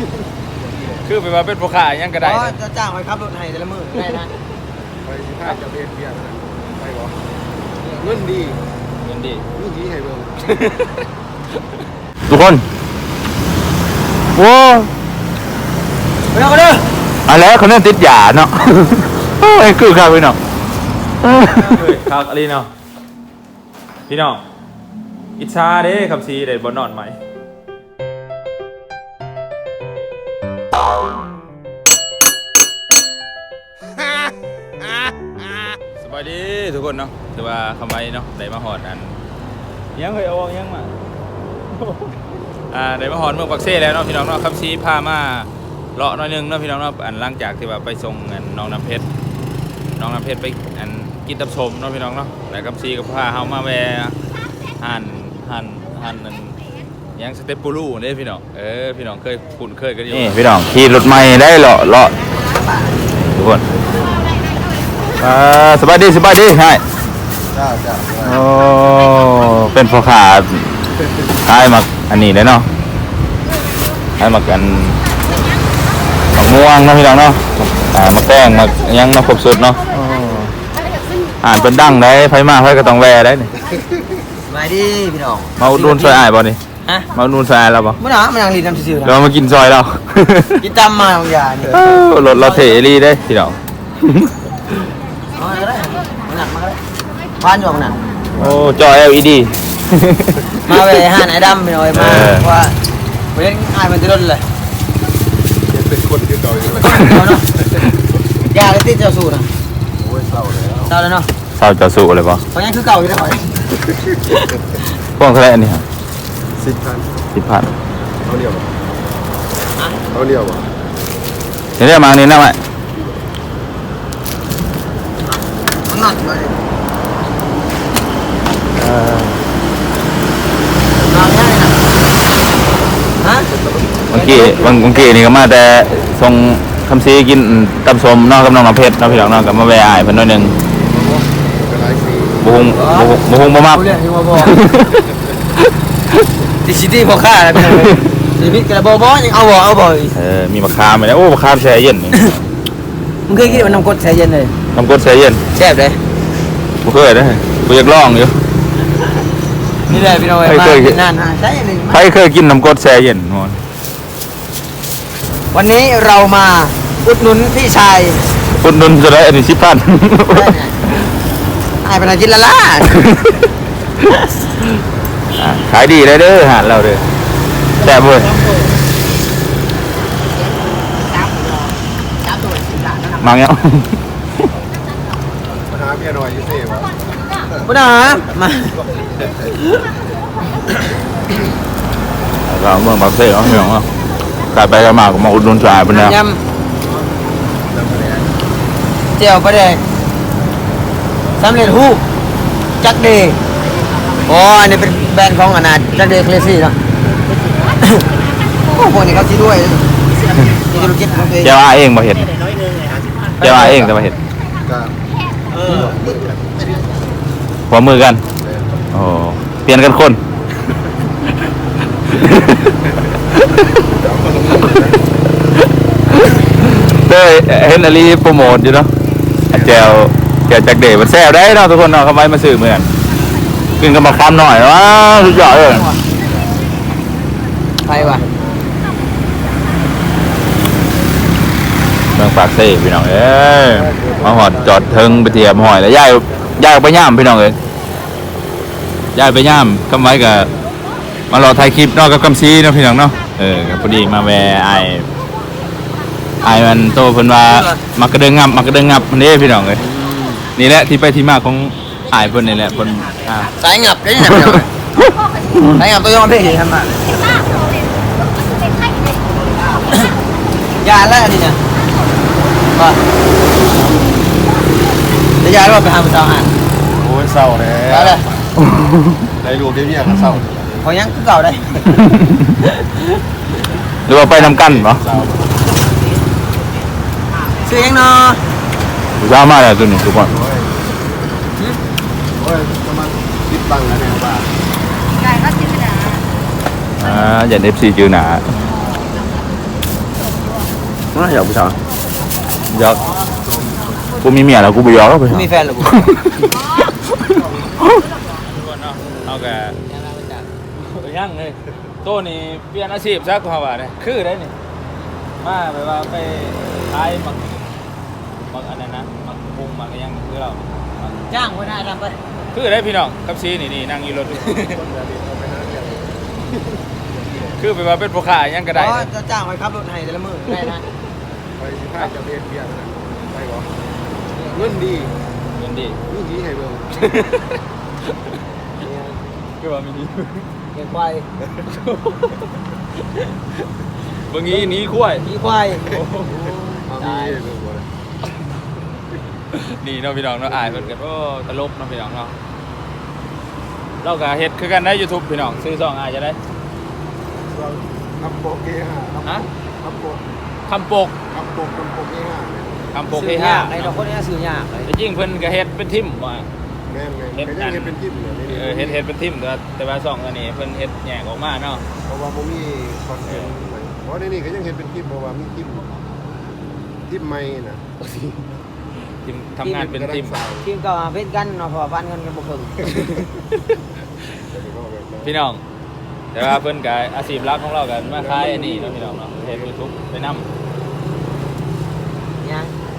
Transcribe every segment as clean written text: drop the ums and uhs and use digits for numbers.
คือไปว่าเป็นผู้ค้ายังก็ได้จะจ้างไปขับรถให้แต่ละมื้อได้นะไปถ้าจะเรียนเบียร์ไปบ่เงินดีเงินดีเงินดีให้เบิ่งทุกคนโว้ไปเอากันเด้ออะไรเขาเนี่ยติดยาเนาะไอ้คือครับพี่น้องครับอะไรเนาะพี่น้องอิจฉาเด้คำซีได้บ่นอนไหมสบายดีทุกคนเนาะแต่ว่าคำไว้เนาะได้มาหอดอันยังเคยเอายังมาได้มาหอดเมืองปักเซ่แล้วเนาะพี่น้องเนาะคำซีพามาเลาะหน่อยนึงเนาะพี่น้องเนาะอันหลังจากที่ว่าไปส่งน้องน้ำเพชรไปอันกินตับชมเนาะพี่น้องเนาะแล้วคำซีก็พาเฮามาแวะหั่นนั่นยังสเต็ปปูรูนี่พี่น้องพี่น้องเคยคุ้นเคยกันอยู่นี่พี่น้องขี่รถใหม่ได้เลาะทุกคนสบายดีใช่จ้าโอ้เป็นพ่อค้าขายมักอันนี้เลยเนาะขายมักอันมักม่วงนะพี่น้องเนาะมักแป้งมักยังมาครบสุดเนาะอ่านเป็นดั้งได้ไฟมาไฟก็ต้องแวได้นี่มาดิพี่น้องมาอุดหนุนซอยอ้ายบ่นี่ฮะมาอุดหนุนซอยอ้ายเราบ่มื้อหน้ามันยังรีดน้ำซื่อๆนะเรามากินซอยเรากินตำมาบางอย่างนี่รถเราเทรีได้พี่น้องเอาก็ได้มันหนักมาก็ได้บ้านอยู่มันหนักโอ้จอ LED มาไปหาไหนดำไปหน่อยมาว่าเว้นอายมันจะล้นเลยเป็นคนที่เก่าอยู่เอาเนาะยาเลยที่เจ้าสูตรนะโอ้ยเศร้าแล้วเจ้าแล้วเนาะเศร้าจะสู้เลยป่ะเพราะงั้นคือเก่าอยู่แล้วข่อยพวกเท่าไหร่อันนี้ครับ 10,000 10,000 เอาเดียวบ่เอาเดียวบ่เดี๋ยวมาอันนี้นะไหมมันหนักเลยนอนง่ายนะฮะบางทีนี่ก็มาแต่ส่งคำซีกินตำส้มเนอกกับน้องน้ำเพชรเนาะพี่น้องเนาะกับมาแวะอ้ายเพิ่นหน่อยหนึงก็ได้สิบ่ฮงบ่มักเรื่องที่ว่าบอกดิซิตี้พอค่าแล้วเป็นไงชีวิตกระบอกยังเอาบ่อีกมีมะขามไหมนะโอ้มะขามแช่เย็นนี่มึงเคยกินมันน้ำกรดใส่เย็นเลยน้ำกรดแช่เย็นแซ่บเลยบ่เคยเด้อบ่อยากลองอยู่นี่แหละพี่น้องเคยมาเคยกินนานใช่เลยใครเคยกินน้ำกรดแช่เย็นมอนวันนี้เรามาอุดหนุนพี่ชายอุดหนุนจะได้อันนี้10,000 ไอ้เป็นอะไรกินละล่ะขายดีเลยเด้อหาดเราเด้อแซ่บเว้ยมาเงี้ยมาหาเมียหน่อยอยู่เซ่บ่พุทธามาเราเมืองปากเซ่เนาะพี่น้องเนาะกลับไปกันมาก็มาอุดหนุนสายเพิ่นแล้วยำเจียวปลาแดกสำเร็จรูปจักเดย์อ๋ออันนี้เป็นแบรนด์ของอนาจักเดย์เคลซี่เนาะ โอ้พวกนี้เขาคิดด้วยมีธุรกิจของตัวเองเจ้าว่าเองบ่เห็ดเจ้าว่าเองแต่บ่เห็ดก็หัวมือกันโอ้เปลี่ยนกันคนเต้ยเห็นอลีโปรโมทอยู่เนาะแจวจักเดย์มันแซ่บได้เนาะทุกคนเนาะเขาไว้มาซื้อเหมือนกินกันมาคำหน่อยว้าสุดยอดเลยไปว่ะเมืองปากเซ่พี่น้องเอ้ยมาหอดจอดเทิงไปเทียมหอยแล้วย้ายออกไปย่ามพี่น้องเอ้ยย้ายไปย่ามคำไว้กับมารอถ่ายคลิปเนอกกับคำซีเนาะพี่น้องเนาะกับพอดีมาแวะไอมันโตเพิ่นว่ามักกระเดิงงับมันนี่พี่น้องเอ้ยนี่แหละที่ไปที่มาของไอเพิ่นนี่แหละเพิ่นสายงับได้ยังไงสายงับตัวยองเพ่งทำมายาแล้วอันนี้เนี่ยก็จะยาแล้วไปหาผู้สาวอ่านโอ้ยเศร้าแล้วแล้วเลยได้ลูกได้เมียก็เศร้าพอยังคือเก่าได้หรือว่าไปนำกันเนาะเศร้าซื้อยังเนาะสามารถแล้วตัวนี้ทุกคนโอ้ยจะมาคิดตังค์แล้วเนี่ยว่าอย่า FC จือหนาไม่อยากผู้ชายยอกกูมีเมียแล้วกูไปยอกแล้วไปมีแฟนหรือกูเอาแกยังเลยโต้นี่เปลี่ยนอาชีพซะกูว่าเนี่ยคือได้นี่มาแบบว่าไปขายมักอันนั้นนะมักพุงมักยังคือเราจ้างคนหน้าทำไปคือได้พี่น้องกับซีนี่นั่งอยู่รถคือไปว่าเป็นผู้ขายยังก็ได้จะจ้างไปขับรถให้แต่ละมื้อได้นะไปสิพาจะเรียนเบียร์นะไปบ่เงินดีเงินดีนี่ดีให้เบิ่งคือว่ามีนี้เลี้ยงควายบางทีนี้คุ้ยมีควายเอามีให้เบิ่งบ่ล่ะนี่เนาะพี่น้องเนาะอายเพิ่นก็โอ้ตลกเนาะพี่น้องเนาะเราก็เฮ็ดคือกันได้ YouTube พี่น้องซื้อซองอายจะได้คำโปกเอห้าฮะคำโปกคำปกคำโปกเอห้าเนี่ยคำปกซื้ที่อยาก 5 ไอ้ดอกคนนี้ซื้อยากเลยแต่จริงเพิ่นก็เฮ็ดเป็นทิมว่าแม่นไงก็ยังเห็นเป็นจิ้มเลยนี่เฮ็ดเป็นทิมแต่ว่าซองอันนี้เพิ่นเฮ็ดแยกออกมาเนาะเพราะว่าบ่มีคอนเทนต์เพราะในนี่ก็ยังเห็นเป็นจิ้มเพราะว่ามีจิ้มใหม่นะทิมทำงานเป็นทิมทีมก็เพ่นกันเนาะพอฟันกันกันบ่เพิ่งพี่น้องแต่ว่าเพิ่นก็อาชีพหลักของเราก็มาขายอันนี้เนาะพี่น้องเนาะเฮ็ด YouTube ไปนำยัง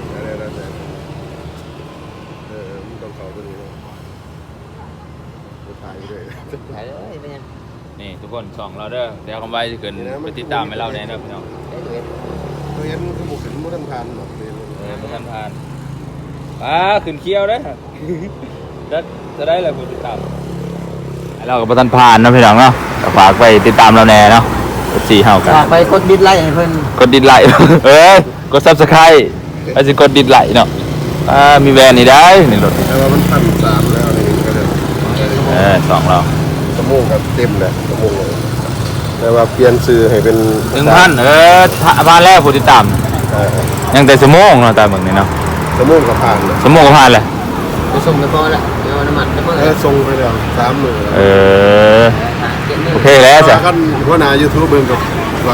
มึงต้องเข้าตัวนี้เนาะถ่ายไปเลยไปเลยเป็นยังนี่ทุกคนส่องเราเด้อเดี๋ยวคำไว้จะเกินไปติดตามให้เราแน่เด้อพี่น้องได้ดูเอ็ดตัวเอ็นคือบุกขึ้นมุทันทานหรอกเลยประธานผ่านขึ้นเคี้ยวเด้อจะได้อะไรผู้ติดตามเรากับประธานผ่านนะพี่น้องเนาะฝากไปติดตามเราแน่เนาะ4เฮากันฝากไปกดดิสไลค์ให้เพิ่นกดดิสไลค์ กด Subscribe อาจจะกดดิสไลค์เนาะมีแวนนี่ได้นี่รถแต่ว่ามัน1,300แล้วนี่ก็เลยสองเราชั่วโมงก็เต็มแล้วชั่วโมงเลยแต่ว่าเปลี่ยนชื่อให้เป็น 1,000ผ่านแล้วผู้ติดตามยังแต่ชั่วโมงเนาะตามเบิ่งนี่เนาะชั่วโมงก็ผ่านแล้วชั่วโมงก็ผ่านเลยไปส่งไปพอละเดี๋ยวน้ำมันน้ำมันส่งไปแล้ว3มื้อโอเคแล้วจ้ะกันหัวหน้า YouTube เบิ่งกับว่า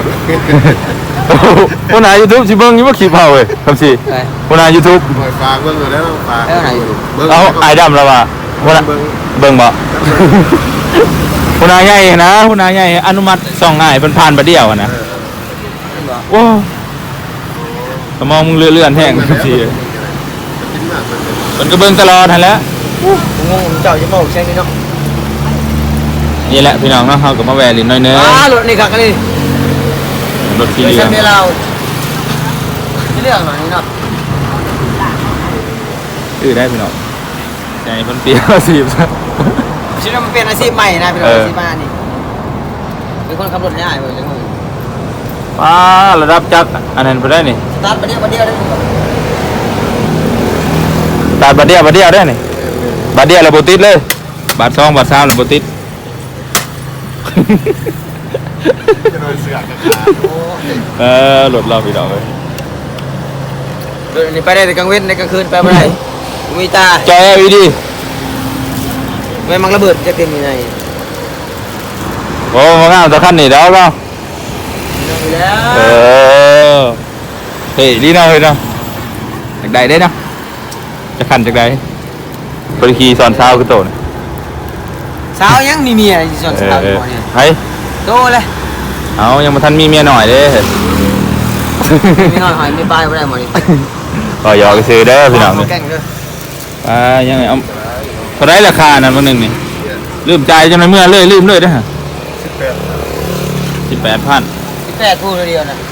คนหา YouTube สิเบิ่งอยู่บ่คลิปเฮาเว้ยคำสิคนหา YouTube ฝากเบิ่งแล้วฝากเอาไอ้ดำแล้วว่าคนเบิ่งบ่คนหาใหญ่นะคนหาใหญ่อนุมัติส่องง่ายเพิ่นผ่านบ่เดียวอะนะโอ้สมองมึงเลื่อนๆแห้งคำสิเพิ่นก็เบิ่งตลอดหั่นแหละผมงงเจ้าจะบอกใช่ไหมเนาะนี่แหละพี่น้องเนาะเฮาก็มาแวะลินน้อยเนึงรถนี่ครับนี่รถสีไม่เหลืใช่องเมียเราที่เรื่องหน่อยเนาะได้พี่น้องใจเพิ่นเปรี้ยวสิบชีวิตมันเป็นอาชีพใหม่นะเป็นอาชีพใหม่นี่เป็นคนขับรถง่ายเลยจังเลยระดับจักอันนั้นบ่ได้นี่สตาร์ทประเดี๋ยวได้ตัดบัดเดียวได้นี่บัดเดียวแล้วบ่ติดเลยบาท2บาท3แล้วบ่ติดจะโดนเสือกรถเราพี่น้องเอ้ยเดี๋ยวนี้ไปได้แต่กลางเว้นในกลางคืนไปไม่ได้มีตาจอ LED ไม่มังระเบิดจะเต็มยังไงโอ้งามแต่คันนี้แล้วเนาะแล้วเฮ้ยดีเนาะเฮ้ยเนาะจักใดได้เนาะจะคันจักใดบริคีสอนเช้าคือโตนะสาวยังมีเมียส่วนสาวอยู่เนี่ยเฮ้ยโตเลยเอายังมาทันมีเมียหน่อยเด้มีหน่อยหอยมีปลายไม่ได้หมดนี่ก็หยอกซื้อเด้อพี่น้องแกล้งเลยยังไงเอาเท่าไรราคานั่นวันหนึ่งนี่ลืมใจจนในเมื่อเลยลืมเลยเด้อ18,000 18พูดเดียวนะ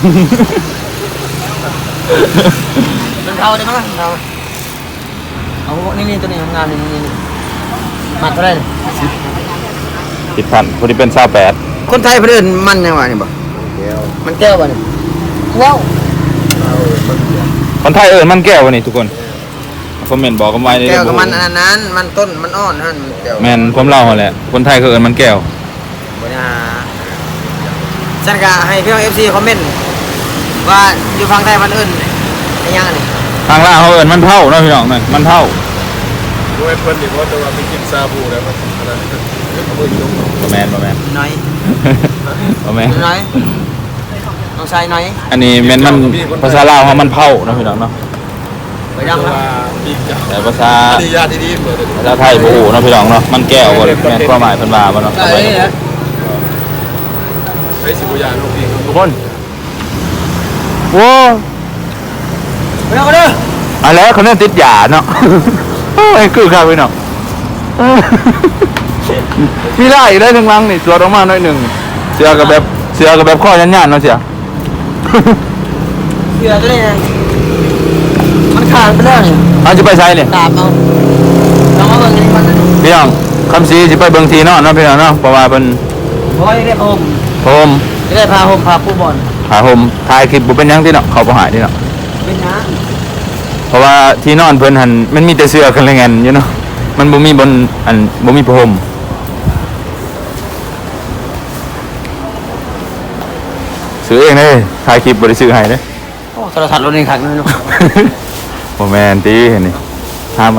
มันเท่าได้มั้งเท่าเอานี่ตัวนี้ทำงานนี่มัดเท่าไร 10,000พอดีเป็น28 คนไทยเพื่อนมันยังไงนี่บ่แก้วมันแก้วบ่นี่ว้าวคนไทยมันแก้ววะนี่ทุกคนคอมเมนต์บอกกันไว้ในแก้วกับมันอันนั้นมันต้นมันอ่อนนั่นแก้วแม่นผมเล่าหั่นแหละคนไทยเขามันแก้วบ่นะฉันก็ให้พี่น้อง FC คอมเมนต์ว่าอยู่ฝั่งไทยมันอื่นเป็นยังนี่ทางล่างเขามันเท่าเนาะพี่น้องนั่นมันเท่าด้วยเพิ่นนี่ว่าจะว่าไปกินซาบูแล้วมันอะไรเอามือลงบ่แม่นน้อยบ่แม่นน้อยน้องชายหน่อยอันนี้แม่นมันภาษาลาวเฮามันเผาเนาะพี่น้องเนาะไปดังนะแต่ภาษาดีญาติดีๆเปิดภาษาไทยบ่ฮู้เนาะพี่น้องเนาะมันแก้วบ่แม่นความหมายเพิ่นว่าบ่เนาะได้เลยนะไปสิบุญญาลูกพี่ทุกคนโว้ไปดังกันเด้อเอาแล้วเขาเนี่ยติดยาเนาะ โอ้ยคือครับพี่น้อง มีได้อีกได้ทั้งลังนี่สวดออกมาหน่อยหนึงเสือกับแบบข้อยันๆเนาะเสียเสือตัวนี้มันขาดไปแล้วนี่เอาจะไปใช้เนี่ยตามเอาลองมาเบิ่งกันก่อนนะพี่น้องคำซีจะไปเบิ่งทีเนาะเนาะพี่น้องเนาะเพราะว่าเป็นโอ้ยได้พาห่มโฮมได้พาห่มพาผู้บอลหาโฮมถ่ายคลิปบ่เป็นหยังที่เนาะเขาบ่หายที่เนาะเป็นน้เพราะว่าที่นอนเพิ่นหันมันมีแต่เสื้อกันเลยงันอยู่เนาะมันบ่มีบนอันบ่มีผ้าห่มซื้อเองเลยถ่ายคลิปบ่ได้ซื้อให้เด้ำโอ้โทรศัพท์รถนี่ขังเลยเนาะบ่แม่นติเห็นนี่ห้ามมา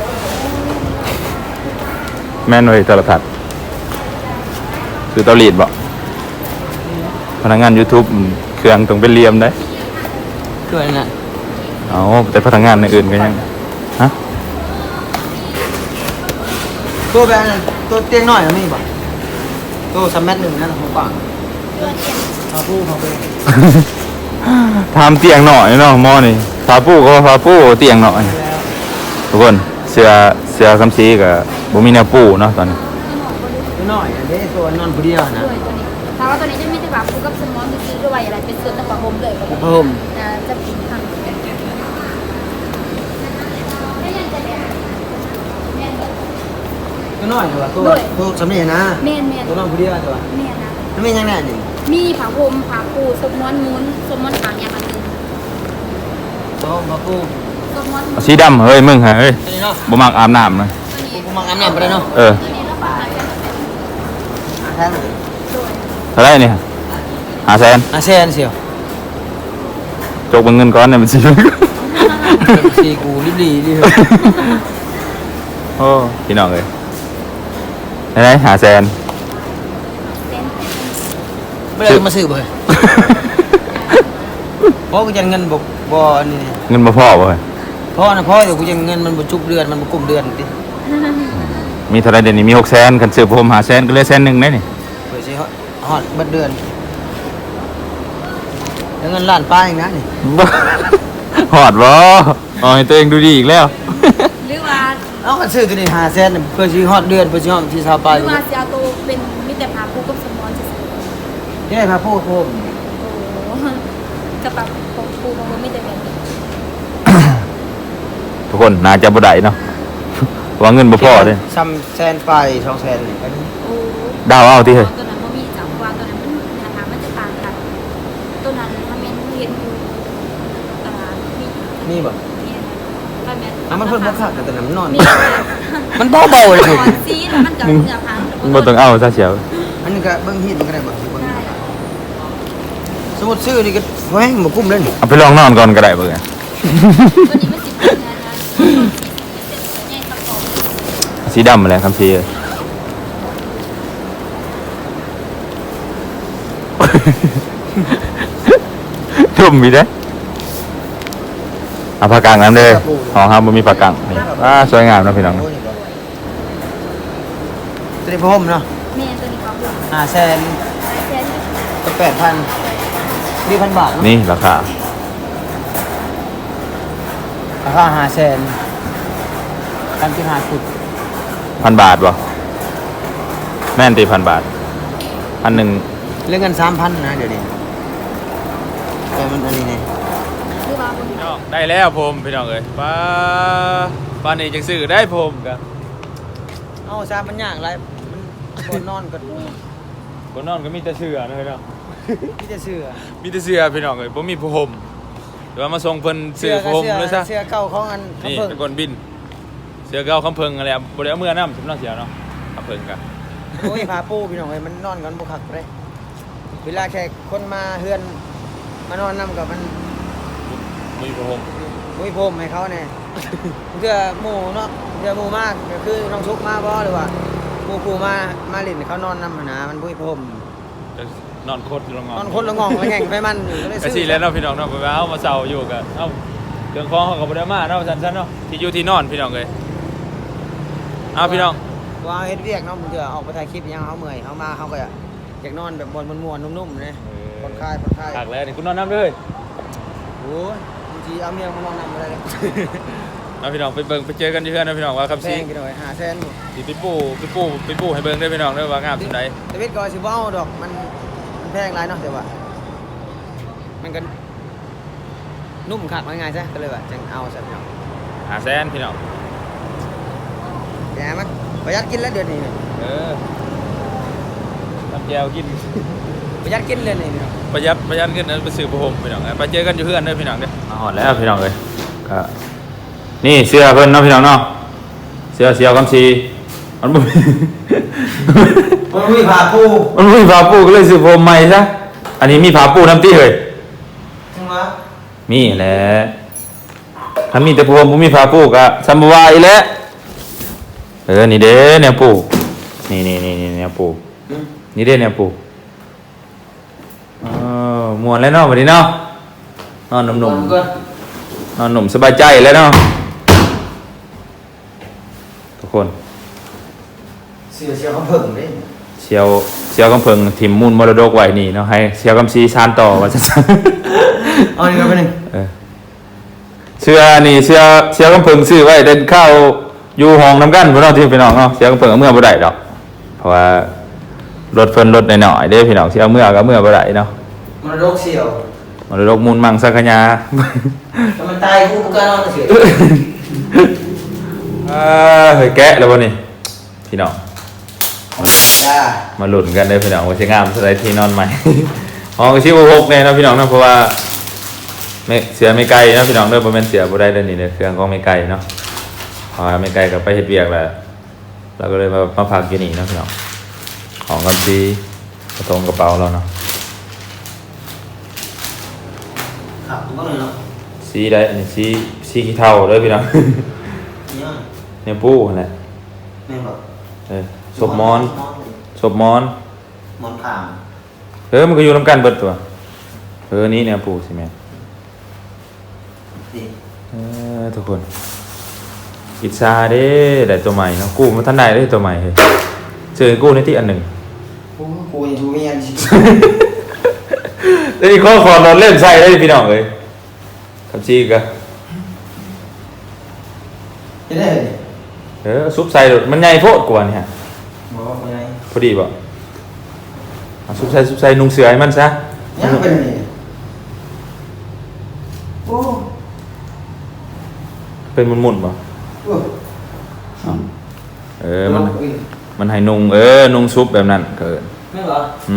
แม่นเว้ยโทรทัศน์ซื้อเตารีดบ่พนักงาน YouTube เครื่องต้องเป็นเหลี่ยมได้ช่วยนะเอาแต่พนักงานอื่นก็ยังฮะตัวแบบนั้นตัวเตียงน้อยแล้วนี่บ่ตัว3 เมตร1นั่นของกว้างพาผู้พาไปทำเตียงหน่อยเนาะหมอนี่พาปูก็พาปูเตียงหน่อยแล้วทุกคนเสื้อคำซีกับบ่มีแนวปูเนาะตอนนี้ตัวน้อยอันนี้ตัวนอนผู้เดียวนะด้วยตัวนี้ถามว่าตัวนี้จะมีแต่แบบฟูกับสมอนซื้อด้วยอะไรเป็นส่วนต่างๆผมเลยผ้าห่มจะผิดทางตัวน้อยเหรอตัวสำเนียงนะเมนตัวนอนผู้เดียวตัวเมนนะมันไม่ยังแน่นี่มีผาพรมผาปูสมอนมุ้นสมอนหางอย่างอันนึงตัวผ้าผู้สมอนสีดำเฮ้ยมึงฮะเฮ้ยตัวนี้เนาะบ่มักอาบน้ำนะตัวนี้กูมังอาบน้ำไปเลยเนาะเออตัวนี้แล้วก็อาจจะเป็นแทนด้วยเท่าไหร่นี่500,000 เซนเสียวจกเบิ่งเงินก่อนเนี่ยมันสิสีกูรีบโอ้พี่น้องเอ้ยไหนๆ500,000 เส้นไม่ได้มาซื้อเลยเพราะกูจะเงินบ่นี่เงินบ่พอบ่เฮ้ยเพราะนะเพราะเดี๋ยวกูจะเงินมันบ่จุกเดือนมันบ่กุมเดือนดิมีเท่าไหร่เดี๋ยวนี้มี600,000คันซื้อผม500,000ก็เหลือ100,000ได้นี่เปิดสิฮอดเบิดเดือนแล้วเงินล้านป้าอีกนะนี่บ่ฮอดบ่เอาให้ตัวเองดูดีอีกแล้วหรือว่าเอากันซื้อตัวนี้5 แสนเพื่อสิฮอดเดือนเพื่อสิฮอดที่ชาวหป้ารือว่าเสียตัวเป็นมีแต่ผาปูกับสมอนจะที่ได้พาพูดผมโอ้จะแบบของปูมันไม่แต่แบบนี้ทุกคนน่าจะบ่ได้เนาะ เพราะว่าเงินบ่พอเด้ซ้ำแสนไป2 แสนนี่ก็โอ้ดาวเอาติเฮ้ยตัวนั้นมันมีจังหวะตัวนั้นมันหาทางมันจะต่างกันตัวนั้นถ้าแม่นเห็นอยู่ตลาดมีมีบ่เนี่ยถ้าแม่นอ่ะมันเพิ่นบ่คักแต่น้ำนอนมีมันเบาๆเลยก่คุณอนซีแล้วมันจะเหนือพันมึงบ่ต้องเอาซะเสียวอันนี้ก็เบิ่งฮีดมันก็ได้บ่สิเบิ่งใช่สมมุติซื้อนี่ก็แฮงบ่กุ้มเลยนี่เอาไปลองนอนก่อนก็ได้เบิ่งอะตัวนี้มันสิบเป็นนะคะแยกกระป๋องสีดำอะไรคำซีเอ้ย ทุ่มมีเด้อเอาผ้ากางน้ำเด้อของเฮาบ่มีผ้ากางนี่สวยงามเนาะพี่น้องตัวนี้พร้อมเนาะแม่ตัวนี้เขาพูด 5 แสนแค่นี้ก็8,000 4,000 บาทเนาะนี่ราคาราคา5 แสนการที่5ฟุต 1,000 บาทบ่แม่นติ1,000 บาท1,000 เรื่องเงิน 3,000 นะเดี๋ยวนี้แต่มันอันนี้นี่หรือว่าบนพี่น้องได้แล้วผมพี่น้องเอ้ยป้านี่จังซื้อได้ผมกันเอาซามันยากไรมันคนนอนก็บ่นอนก็มีแต่เสื้อนะพี่น้องพี่จะเสื้อมีแต่เสื้อพี่น้องเอ้ยบ่มีผ้าห่มเดี๋ยวมาส่งเพิ่นซื้อผ้าห่มเลยซะเสื้อเก่าของอันนี่คำเพิ่งตะกอนบิน เสื้อเก่าคำเพิงอะไรบ่ได้เอาเมื่อน้ำสำนักเสียเนาะคำเพิงกันโอ้ยพาปูพี่น้องเอ้ยมันนอนกันบุคักเลยเวลาแขกคนมาเฮือนมานอนนํกับมันมีผ้าห่มมุ้ยพรมให้เขาแน่เสื้อหมู่เนาะเสื้อหมู่มากก็คือน้องชุกมาบ่หรือว่าหมู่กูมาเล่นเขานอนนำหนนะมันมุ้ยพรมจะนอนโคตรละงองนอนคนละงองละแง่งไปมันก็เลยก็ซื้สิอแล้วเนาะพี่น้องเนาะไปเอามาเซาอยู่กันเอ้าเครื่องของเขาก็บ่ได้มาเนาะซั่นๆเนาะที่อยู่ที่นอนพี่น้องเอ้ยเอาพี่น้องว่าเฮ็ดเวียกเนาะมึงเถื่อออกไปถ่ายคลิปยังเฮาเมื่อยเฮามาเฮาก็อยากนอนแบบม่วนๆนุ่มๆนะผ่อนคลายหักแล้วนี่คุณนอนน้ำเลยโอ้ยบางทีเอาเมียมานอนนำอะไรเลยเอาพี่น้องไปเบิ่งไปเจอกันอยู่เฮือนนะพี่น้องว่าคำแพซีงกี่หน่อย500,000บ่สิไปปูให้เบิ่งเด้อพี่น้องเด้อว่างามสุดใดแต่เวทก็สิบ่เอาดอกมันแพงหลายเนาะแต่ว่ามันก็นุ่มคักว่าง่ายซะก็เลยว่าจังเอาซะพี่น้อง 500,000พี่น้องแกมันประหยัดกินแล้วเดือนนี้ทำแจวกินประหยัดกินเลยนี่พี่น้องประหยัดเงินไปซื้อผ้าห่มพี่น้องไปเจอกันอยู่เฮือนเด้อพี่น้องเด้อมาฮอดแล้วพี่น้องเอ้ยก็นี่เสื้อเพิ่นเนาะพี่น้องเนาะเสื้อเสียวคำซีมันบ่มีมันมีผ้าปูมันบ่มีผ้าปูก็เลยซื้อผ้าห่มใหม่ซะอันนี้มีผ้าปูนำติเฮ้ยจังวะมีแหละถ้ามีแต่ผ้าห่มบ่มีผ้าปูก็ซัมบ่ว่าอีแหละนี่เด้แนวปูนี่แนวปูนี่เด้แนวปูม่วนแล้วเนาะบัดนี้เนาะนอนหนุ่มๆก็นอนหนุ่มสบายใจแล้วเนาะทุกคนเสียเขาเพิ่งเด้เชียวกำเพิงถิ่มมูลมรดกไว้นี่เนาะให้เชียวกำซีชานต่อว่าซั่นเอานี่ก็ไปนึงเชื่อนี่เชียวกำเพิงซื้อไว้เดินเข้าอยู่ห้องนำกันพี่น้องที่พี่น้องเนาะเชียวกำเพิงเอาเมื่อบ่ได้ดอกเพราะว่ารถเพิ่นรถน้อยๆเด้พี่น้องสิเอาเมื่อก็เมื่อบ่ได้เนาะมรดกเสี่ยวมรดกมูลมังสักขยาถ้ามันตายกูก็นอนเสียเฮ้ยแกะแล้วบ่นี่พี่น้องจ้ามาหลุนกันเลยพี่น้องว่าจะงามสไลด์ที่นอนใหม่ ห้องชิว6เนี่ยนะพี่น้องนะเพราะว่าไม่เสียไม่ไกลนะพี่น้องเด้อบ่แม่นเสียบ่ได้เด้อนี่เด้อเครื่องของไม่ไกลเนาะพอไม่ไกลก็ไปเฮ็ดเวียกแล้วเราก็เลยมาพักอยู่นี่นะพี่น้องของกันดีกระทงกระเป๋าเราเนาะครับผมก็เลยเนาะสีได้อันนี้สีขี้เถ้าเด้อพี่น้องเนี่ยเนี่ยปูนั่นแหละแม่บอกศพมอนมอนขามมันก็อยู่นํกันเบิดตัวนี่เนี่ยปูสิแม่ดิทุกคนอิจฉาเด้ได้ตัวใหม่เนาะกู้มาทันได้ได้ตัวใหม่เฮ้ยเจอกู้ในที่อันหนึ่งกูยังดูเมียนสิแล้วนี่ขอรถเล่นใส่ได้พี่น้องเลยครับจีกะจะได้เลยซุปใส่รถมันใหญ่โพดกว่านี่ฮะบอกว่าไงพอดีป่ะซุปใส่นุ่งเสือให้มันซะยังเป็นนี่โอ้เป็นหมุนๆป่ะโอ้มันให้นุ่งนุ่งซุปแบบนั้นเกินไม่เหรอ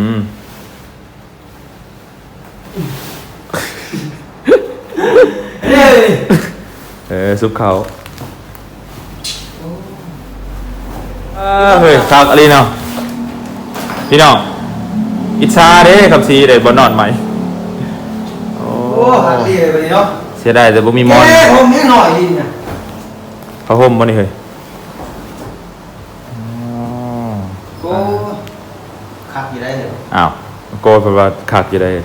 เฮ้ยซุปเขาเฮ้ยครับอะไรเนาะพี่น้องอิจฉาเด้ครับซีได้บ่นอนไหมโอ้โอ้หักดีเลยวันนี้เนาะเสียดายแต่บ่มีมอนผมนี่หน่อยดีนะผ้าห่มบ่นี่เฮ้ยโอ้ขับอยู่ได้เลยอ้าวโกยเพราะว่าคักอยู่ได้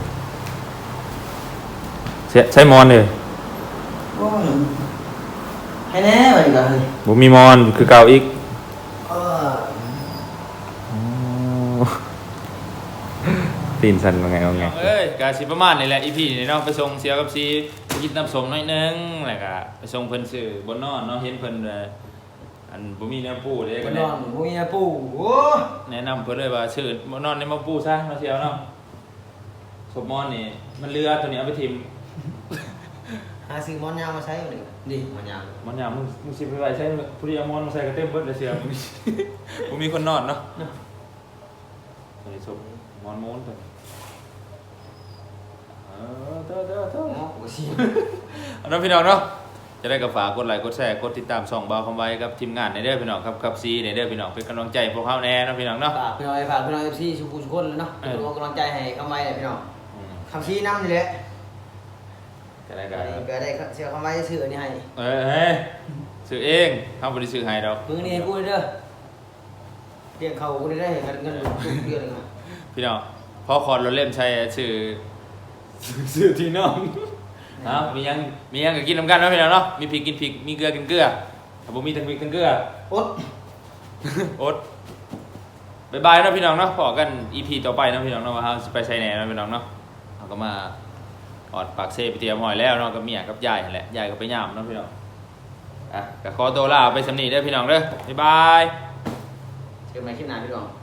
ใช้มอนเลยโอ้ให้แน่วันนี้ก็เฮ้ยบ่มีมอนคือเก่าอีก ตีนสั่นว่าไงว่าไงเอ้ยกาสิประมาณนี่แหละ EP นี่เนาะไปส่งเสียกับซีไปกินน้ำส้มหน่อยนึงแล้วก็ไปส่งเพิ่นซื้อบนนอนเนาะเห็นเพิ่นอันบ่มีแนวปูเด้ก็ก็นแนะอนพวกนี้ปู่โอ้แนะนำเพิ่นเลยว่าซื้อบนนอนในมาปูซะเนาะเสียวเนาะศพมอนนี่มันเรือตัวนี้เอาไปทิ่มหาซื้อมอนยาวมาใช้หนึ่งดิมอนยาวมันยามมึงสิไปไว้ใช้ผู้ที่เอามอนมาใส่ก็เต็มเบิดเลยเสียวบ่มีคนนอนเนาะใส่ศพมอนม้วนตัวเด้อโอ้ชิเอาน้องพี่น้องเนาะจะได้กับฝากกดไลค์กดแชร์กดติดตามช่องบ่าวคำไว้กับทีมงานในเด้อพี่น้องครับซีในเด้อพี่น้องเป็นกำลังใจพวกเขาแน่นะพี่น้องเนาะฝากพี่น้องเอฟซีชุกุชุกคนเลยเนาะเป็นกำลังใจให้คำไว้เลยพี่น้องคำชี้น้ำนี่แหละจะได้กับก็ได้เสียคำไว้ชื่อนี่ให้ซื้อเองทำบริซื้อให้ดอกมือนี่ให้กูเด้อเรียกเขากูได้เห็นเงินทุกเดือนเลยพี่น้องพอคอนเราเล่มใช้ชื่อที่น้องมียังก็กินน้ำกันเนาะพี่น้องเนาะมีพริกกินพริกมีเกลือกินเกลือถ้าผมมีทั้งพริกทั้งเกลืออดอดบายบายเนาะพี่น้องเนาะพอกัน EP ต่อไปเนาะพี่น้องเนาะว่าเราจะไปใช้แหน่เนาะพี่น้องเนาะเราก็มาออดปากเซ่ไปเตรียมหอยแล้วเนาะกับเมียกับยายนั่นแหละยายก็ไปย่ามเนาะพี่น้องก็ขอตัวลาไปสำนีเด้อพี่น้องเด้อบ๊ายบายเจอกันใหม่คลิปหน้าพี่น้อง